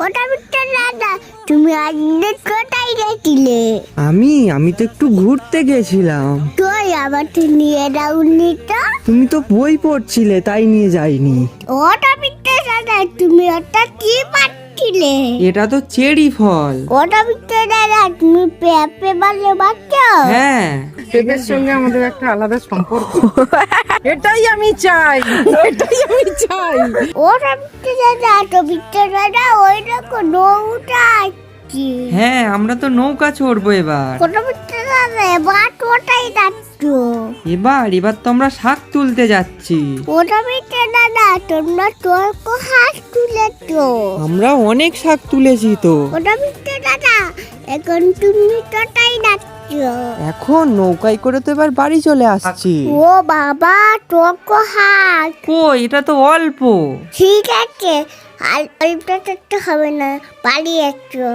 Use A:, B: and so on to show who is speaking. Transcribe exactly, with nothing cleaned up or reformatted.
A: ওটা বিট্টু দাদা, তুমি আজকে কোথায় গেছিলে?
B: আমি আমি তো একটু ঘুরতে গেছিলাম।
A: তুই আমাকে নিয়ে যাওনি তো?
B: তুমি তো বই পড়ছিলে, তাই নিয়ে যাইনি।
A: ওটা বিট্টু দাদা, তুমি ওটা কি পাচ্ছিলে?
B: এটা তো চেরি ফল।
A: ওটা বিট্টু দাদা, তুমি পেঁপে বলে বাচ্চ?
B: হ্যাঁ,
C: পেঁপের সঙ্গে আমাদের একটা আলাদা সম্পর্ক। এটাই আমি চাই, এটাই আমি চাই।
A: ওটা বিট্টু দাদা, তো বিট্টু দাদা ওই রকম নৌটা আছে।
B: হ্যাঁ, আমরা তো নৌকা চড়বো এবার।
A: ওটা বিট্টু দাদা, এবার ওটাই যাচ্ছ।
B: এবার এবার তো আমরা শাক তুলতে যাচ্ছি।
A: ওটা বিট্টু দাদা, তোমরা তোর কো হাত তুলেছ।
B: আমরা অনেক শাক তুলেছি তো।
A: ওটা বিট্টু দাদা, এখন তুমি তোটাই যাচ্ছ।
B: এখন নৌকায় করে তো এবার বাড়ি চলে আসছি।
A: ও বাবা, তোর কো হাত।
B: কই, এটা তো অল্প।
A: ঠিক আছে, আর অল্প করতে হবে না, পালিয়ে যাচ্ছ।